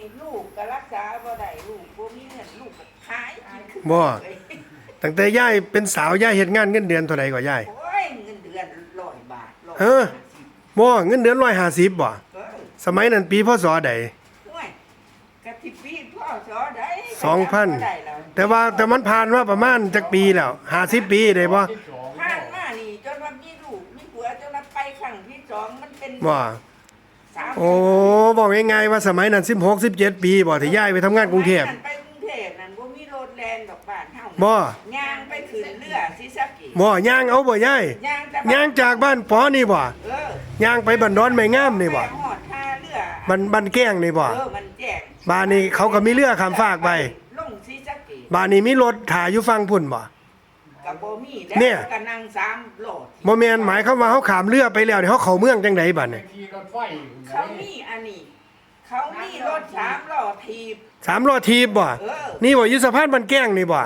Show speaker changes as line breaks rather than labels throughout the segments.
ลูกก็รักษาบ่ได้ลูกบ่มีเงินลูกก็ขายกิน
บ่ตั้งแต่ยายเป็นสาวยายเฮ็ดงานเงินเดือนเท่าใดกว่ายาย
โอ้ยเงินเดือน100 บาท
เออ บ่เงินเดือน150บ่
เออ
สมัยนั้นปีพศใด
ห่วยกะทิปีพ่อสอได้
2,000
ได้แล้ว
แต่มันผ่านมาประมาณจักปีแล้ว50ปีได้บ่
ผ่านมานี่จนว่ามีลูกมีผัวจนว่าไปครั้งที่สองมันเป็น
บ่
30
โอ้บอกง่ายๆว่าสมัยนั้น16 17ปีบ่ที่ย้ายไปทำงานกรุงเทพ
ไปกรุงเทพนั่นบ่มีรถแล่นดอกบ้านเฮา
บ่
ย่างไปขึ้นเรือศรีสะเกษ
บ่ย่างเอาบ่ยาย
ย่างแต่
ย่างจากบ้านปอนี่บ่
เออย่าง
ไปบันดอนไม้งามนี่บ่
ไปฮอดท่าเรือ
บ้านแก้งนี่บ่
มันแจ้ง
บ้านนี้เขาก็มีเรือข้ามฟากไป
ลงศรีสะเกษ
บ้านนี้มีรถถ่ายอยู่ฝั่งพุ่นบ่
ก็บ่มี
เนี่
แล้ว
ย
ก็นั่ง3โลด
บ่แม่นหมายความว่าเฮาข้ามเรือไปแล้วนี่เฮาเข้าเมืองจังไดบัดนี่
ขี่รถไฟ
เขามีอันนี้ เขามีรถ3ล้อถีบ
3ล้อถีบบ่
เออ
นี่บ่อยู่สะพานบ้านแก้งนี่บ่
บ่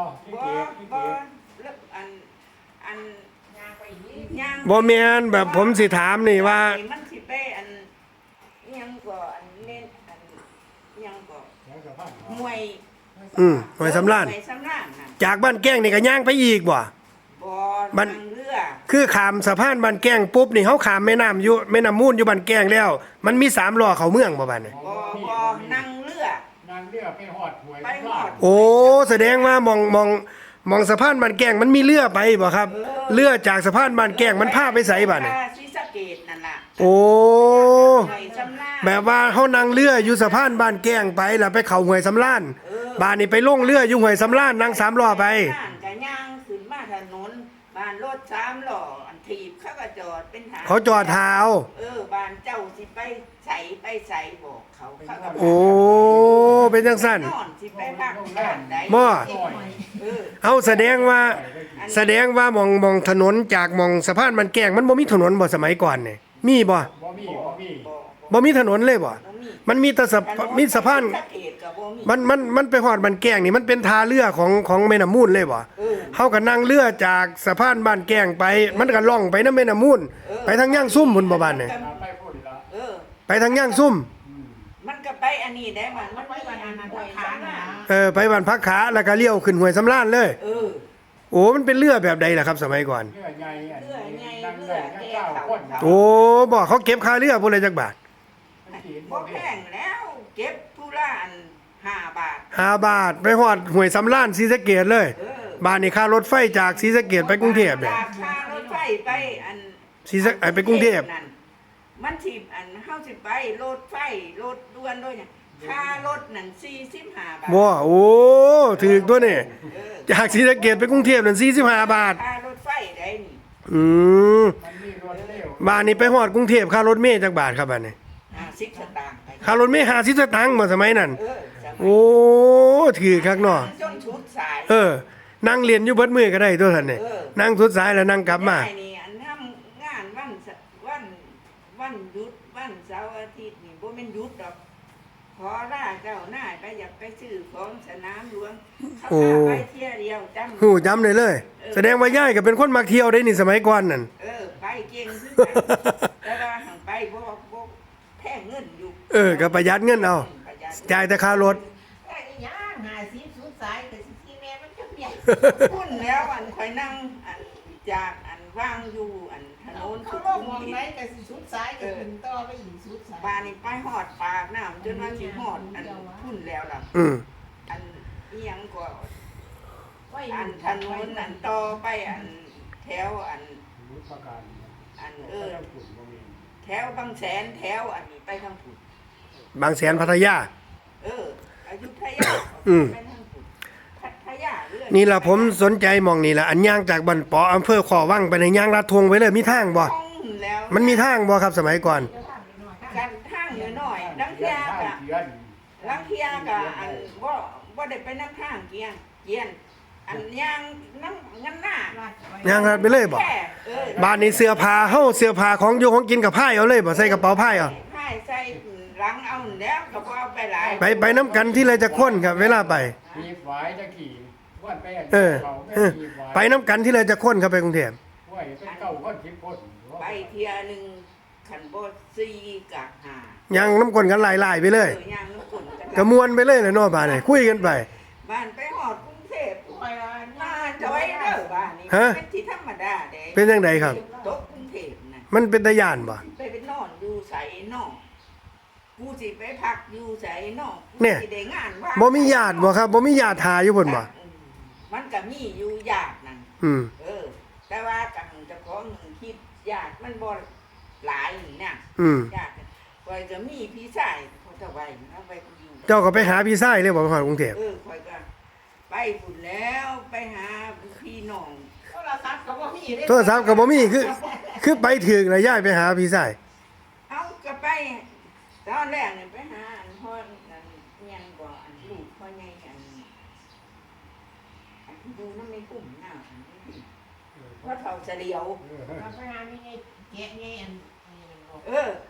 แล้วอันย่าง
บ่แม่นแบบผมสิถามนี่ว่า
มันสิไปอันอิหยังก็อันเล่นอันอิหยังก็มวย
หน่วยสำราญ
มวยสำราญน่ะ
จากบ้านแก้งนี่ก็ย่างไปอีกบ่
บ่
มัน
นั่งเรือ
คือข้ามสะพานบ้านแก้งปุ๊บนี่เฮาข้ามแม่น้ำอยู่แม่น้ำมูลอยู่บ้านแก้งแล้ว มันมี3ล้อเข้าเมืองบ่บัดนี่
บ่นั่งเรือ
นั่งเรือไปหอดหวย
ไปฮอด
โอ้แสดงว่ามองสะพานบ้านแก้งมันมีเรือไปบ่ครับ เรือจากสะพานบ้านแก้งมันพาไปไสบัดนี่
ศรีสะเกษนั่นล่ะ
โอ้
หน่วยสำราญ
แบบว่าเฮานั่งเรืออยู่สะพานบ้านแก้งไปแล้วไปเข้าห้วยสำราญบ้านนี้ไปลงเรืออยู่ห้วยสำราญนั่ง3ล้อไป
บ้านก็ย่างขึ้นมาถนนบ้านรถ3ล้ออันถีบเขาก็จอดเป็นทาง
เขาจอดเท้า
บ้านเจ้าสิไปใส่บอกเขาเขาก็
โอ้เป็นจังซั่น
นอนสิไปพักบ้านใด
บ่
เออ
เอาแสดงว่ามองถนนจากมองสะพานบ้านแก้งมันบ่มีถนนบ่สมัยก่อนนี่มีบ่
บ่มี
บ่มีถนนเลยบ่
บ่มี
มันมีแต่มีสะพาน
สะเกษก็บ่มี
มันไปฮอดบ้านแก้งนี่มันเป็นท่าเรือของแม่น้ำมูลเลยบ่
เออ
เฮาก็นั่งเรือจากสะพานบ้านแก้งไป มันก็ล่องไปนำแม่น้ำมูลไปทางย่างซุ่มพุ่นบ่บ้านนี่
ไปพูดละ
เออ
ไปทางย่างซุ่ม
มันก็ไปอันนี้ได้มันไปอันนั้นห้วยสำราญ
ไปบ้านพักขาแล้วก็เลี้ยวขึ้นห้วยสำราญเลย
เออ
โอ้มันเป็นเรือแบบใดล่ะครับสมัยก่อน
เรือใหญ่
เรือใหญ่
นั่ง
เรื
เรือ อ
แก่
เก้า
เขา
คน
โอ้บ่เขาเก็บค่าเรือพุ่นละจักบาท
บ่แพงแล้วเก็บผู้ละอัน5 บาท
5 บาทไปฮอดห้วยสำราญศรีสะเกษเลย
เออ
บ้านนี่ค่ารถไฟจากศรีสะเกษไปกรุงเทพเนี่ย
จากค่ารถไฟไปอัน
ไปกรุงเทพ
นั่นมันสิอันเฮาสิไปรถไฟรถด่วนด้วยเนี่ยค่ารถนั่น45 บาท
บ่โอ้ถูกตัวนี่
เออ
จากศรีสะเกษไปกรุงเทพนั่น45 บาท
ค่ารถไฟได้นี่
อืม
มันมีรถเร็ว
บ้านนี้ไปฮอดกรุงเทพค่ารถเมล์จักบาทครับบ้านนี้
50 สตางค์ไป
ค่ารถเมล์50สตางค์บ่สมัยนั้น
เออสมัย
โอ้ถือคักเนาะ
จนชุดสาย
นั่งเรียนอยู่เบิดมื้อก็ได้ตัวท่านนี่
เออ
นั่งสุดสายแล้วนั่งกลับมา
ได้นี่อันทำงานวันหยุดวันเสาร์อาทิตย์นี่บ่แม่นหยุดดอกขอลาเจ้านายไปอยากไปซื้อของสนามหลวงเขาพาไปเที่ยวเดียวจำ
ฮู้จำได้เลย แสดงว่ายายก็เป็นคนมักเที่ยวได้นี่สมัยก่อนนั่น
ไปเก่งคือกันแต่ว่าหังไปบ่แพงเงินอยู่
ก็ประหยัดเงินเอา
ประหยัด
จ่ายแต่ค่ารถ
ไอ้ย่าง50สุดสายแต่สิที่แม่มันจะเปียก
พุ่นแล้วอันคอยนั่งอันจากอันว่างอยู่อันถนน
เขา
สุ
ล
ขุ
ง
ม
มอง
วิ
ไหน
ท
แต่สิสุดสายก็ขึ้นต่อไปอีกสุดสาย
บ้านนี่ไปหอดปากน้ำจนว่าสิหอดอันพุ่นแล้วล่ะ
อืม
อันอีหยังก็
ไว้
อันถนนอันต่อไปอันแถวอัน
รู้ประการ
อัน
ขุนบ่มี
แถวบางแสนแถวอันนี้ไปทางผุด
บางแสนพัทยา
อยุธยา
อืม
ไปทางผุดพัทยาเรื่อย
นี่ล่ะผมสนใจหมองนี่ล่ะอันย่างจากบ้านปออำเภอขอวังไปในย่างลาดทวงไว้เลยมีทางบ่
ท่องแล้ว
มันมีทางบ่ครับสมัยก่อน
เดี๋ยวถามนิดหน่อยค่ะ
กันทางอยู่หน่อยลังเทียกะ
เดือน
ลังเทียกะอันบ่ได้ไปนั่งทางเกียนอันย่างนั่งงั้นหน้า
ย่างลาดไปเลยบ่
แค่
บ้านนี้เสื้อผ้าเฮาเสื้อผ้าของอยู่ของกินกับผ้าเอาเลยบ่ใส่กระเป๋าผ้าเอา
ให้ใส่หลังเอาแล้วก็บ่เอาไปหลาย
ไปน้ำกันที่ไรจะค้นครับเวลาไป
มีฝายจะขี่วันไป
ไปน้ำกันที่ไรจะค้นครับไปกรุงเทพ
ห้วยเป็นเก้าคน10คน
ไปเที่ยหนึงขันบ่4กะ5
ย่างน้ำก้นกันหลายๆไปเลย
ย่างน้ำกุ่น
กระมวลไปเลยแหละเนาะบ้านนี่คุยกันไป
บ้านไปหอดกรุงเทพ
คอยว่า
มาจอยเด้อบ้านนี่
ฮะ
เป็นที่ธรรมดาเด้
เป็นจังไดครับ
ตกกรุงเทพน่ะ
มันเป็นตาย่านบ่
ไปเป็นนอนอยู่ไสนอกกูสิไปพักอยู่ไสนอกกู
เนี่ย
สิได้งานว่า
บ่มีญาติบ่ครับบ่มีญาติหาอยู่พุ่นบ่
มันก็มีอยู่ญาตินั่น
อืม
แต่ว่ากันเจะของคิดญาติมันบ่หลายนี่นะ
อืม
ญาติคอยก็มีพี่ชายเขาจะไว้เอาไปอยู่
เจ้าก็ไปหาพี่ชายเลยบ่ฮอดกรุงเทพ
คอยก็ไปพุ่นแล้วไปหาพี่น้อง
โทรศัพท์ก็บ่มีเด้
โทรศัพท์ก็บ่มีคือไปถึงแล้วย้ายไปหาพี่ชาย
เอาก็ไปตอนแรกเนี่ยไปหาอันพ่ออันเมียนบ่อันลูกพ่อใหญ่อันดูน้ำในกลุ่มหน้าอันนี้ว่าเท่าเฉลียว
เราไปหามีไงแกะไงอันนี้มันบอก
เออ